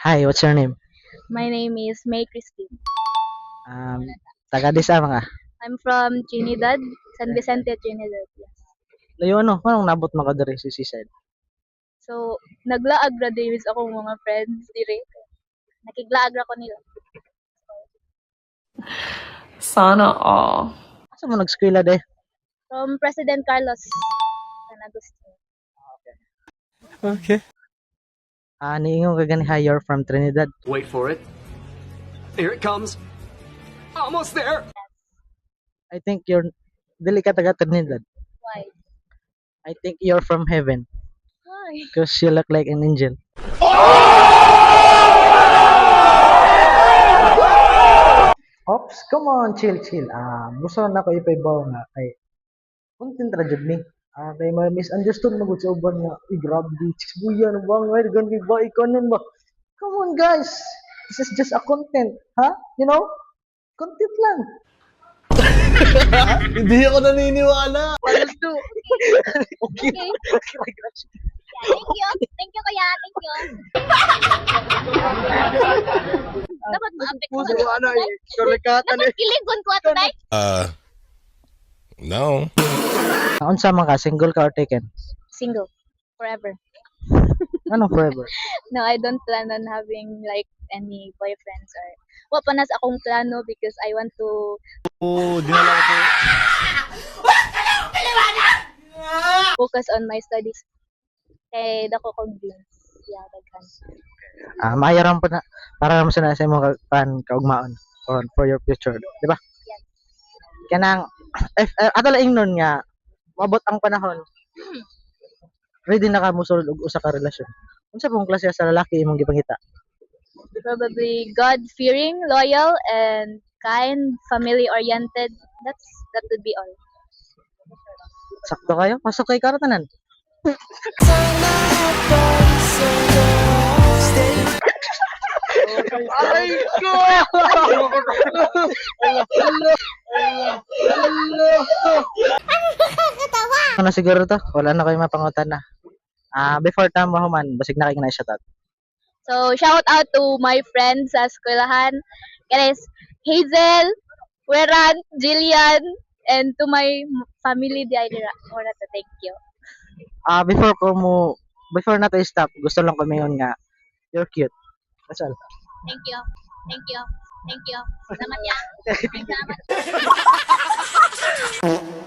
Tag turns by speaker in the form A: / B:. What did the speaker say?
A: Hi, what's your name?
B: My name is May Christine.
A: Um, taga Disa mga.
B: I'm from Trinidad, San Vicente, Trinidad. Yes.
A: Layo ano, anong nabot mo ka diri sa seaside?
B: So, naglaag ra din sa akong mga friends dire. Nakiglaag ra ko nila.
C: Sana all.
A: Asa mo nag-eskwela de?
B: From President Carlos San Agustin.
D: Okay.
A: Niingon ka gani hi, you're from Trinidad.
D: Wait for it. Here it comes. Almost there.
A: I think you're dili ka taga Trinidad.
B: Why?
A: I think you're from heaven
B: Why?
A: because you look like an angel. Ops, come on, chill. Gusto na ko ipaibaw nga kay content ra jud ni. Kay may misunderstood mo gud sa uban nga, grabe di chicks buya no bang way gan kay ba ikanon ba? Come on guys. This is just a content, ha? You know? Content lang.
D: Hindi ako naniniwala.
A: Okay.
B: Okay. Thank you. Thank you, kuya. Thank you. Dapat ma-apek ko
D: Puso ko ano eh. Sulikatan
B: Dapat kiligon ko ato day.
E: No.
A: Unsa man ka, single ka or taken?
B: Single. Forever.
A: Ano forever?
B: No, I don't plan on having like any boyfriends or wa pa nas akong plano because I want to
D: Dinala ko.
B: focus on my studies. Kay dako kong dreams. Yeah, daghan.
A: Maayaran po na para naman sa imong kaugmaon for your future, di ba?
B: Yes.
A: Kanang ato lang nun nga mabot ang panahon. Ready na ka mo sulod og usa ka relasyon. Unsa pong klase sa lalaki imong gipangita?
B: Probably God-fearing, loyal, and kind, family-oriented. That would be all.
A: Sakto kayo? Pasok kay karatanan.
D: Aray ko!
A: Ano siguro to? Wala na kayo mapangutan na. Before tama human, basig na kayo na shoutout.
B: So, shout out to my friends sa eskwelahan. Guys, Hazel, Weran, Jillian, and to my family di Aira. Thank you.
A: Before na to stop, gusto lang ko mayon nga you're cute. That's all.
B: Thank you. Thank you. Thank you. Salamat ya. Salamat.